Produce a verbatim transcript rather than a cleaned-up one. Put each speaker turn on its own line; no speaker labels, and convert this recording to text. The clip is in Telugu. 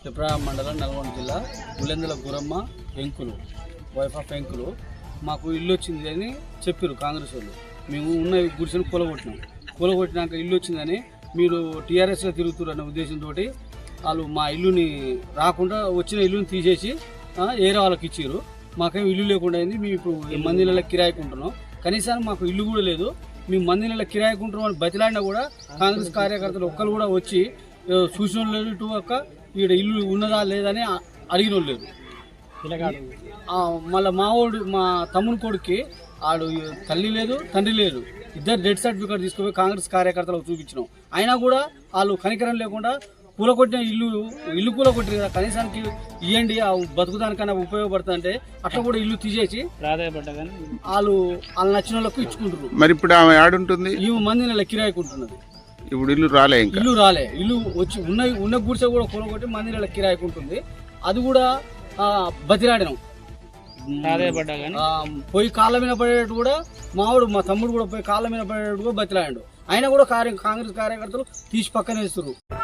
పిప్రాయ మండలం నల్గొండ జిల్లా ఉలెందుల గురమ్మ వెంకులు వైఫ్ ఆఫ్ వెంకులు మాకు ఇల్లు వచ్చింది అని చెప్పారు కాంగ్రెస్ వాళ్ళు. మేము ఉన్న గుడిసెను కూలగొట్టినాం. కూలగొట్టినాక ఇల్లు వచ్చిందని మీరు టీఆర్ఎస్లో తిరుగుతున్నారు అనే ఉద్దేశంతో వాళ్ళు మా ఇల్లుని రాకుండా వచ్చిన ఇల్లుని తీసేసి ఏరే వాళ్ళకి ఇచ్చారు. మాకేం ఇల్లు లేకుండా అయింది. మేము ఇప్పుడు మంది నెలల కిరాయికుంటున్నాం. కనీసం మాకు ఇల్లు కూడా లేదు. మేము మంది నెలల కిరాయికుంటున్నాం అని బతిలాడినా కూడా కాంగ్రెస్ కార్యకర్తలు ఒక్కరు కూడా వచ్చి చూసిన లేదు. ఇటు ఒక్క ఈడ ఇల్లు ఉన్నదా లేదని అడిగిన వాళ్ళు లేదు. మళ్ళీ మా వాడు మా తమ్ముని కొడుక్కి ఆడు తల్లి లేదు తండ్రి లేదు. ఇద్దరు డెత్ సర్టిఫికేట్ తీసుకుపోయి కాంగ్రెస్ కార్యకర్తలకు చూపించినాం. అయినా కూడా వాళ్ళు కనికరం లేకుండా కూలగొట్టిన ఇల్లు ఇల్లు కూలగొట్టిన కదా కనీసానికి ఇవ్వండి బతుకుదానికన్నా ఉపయోగపడుతుందంటే అట్లా కూడా ఇల్లు తీసేసి వాళ్ళు వాళ్ళు నచ్చిన వాళ్ళకు ఇచ్చుకుంటారు.
మరి ఇప్పుడు ఆమె ఆడుంటుంది
ఈ మంది నెల కిరాయికుంటున్నది.
ఇప్పుడు ఇల్లు రాలే ఇంకా
ఇల్లు రాలే ఇల్లు వచ్చి ఉన్న ఉన్న గుడిసె కూడా కూలగొట్టి మంది నెల కిరాయికుంటుంది. అది కూడా బతిలాడినాం. పోయి కాళ్ళ మీద పడేటట్టు కూడా మావాడు మా తమ్ముడు కూడా పోయి కాళ్ళ మీద పడేటట్టు కూడా బతిలాడాడు. అయినా కూడా కార్య కాంగ్రెస్ కార్యకర్తలు తీసి పక్కన వేస్తారు.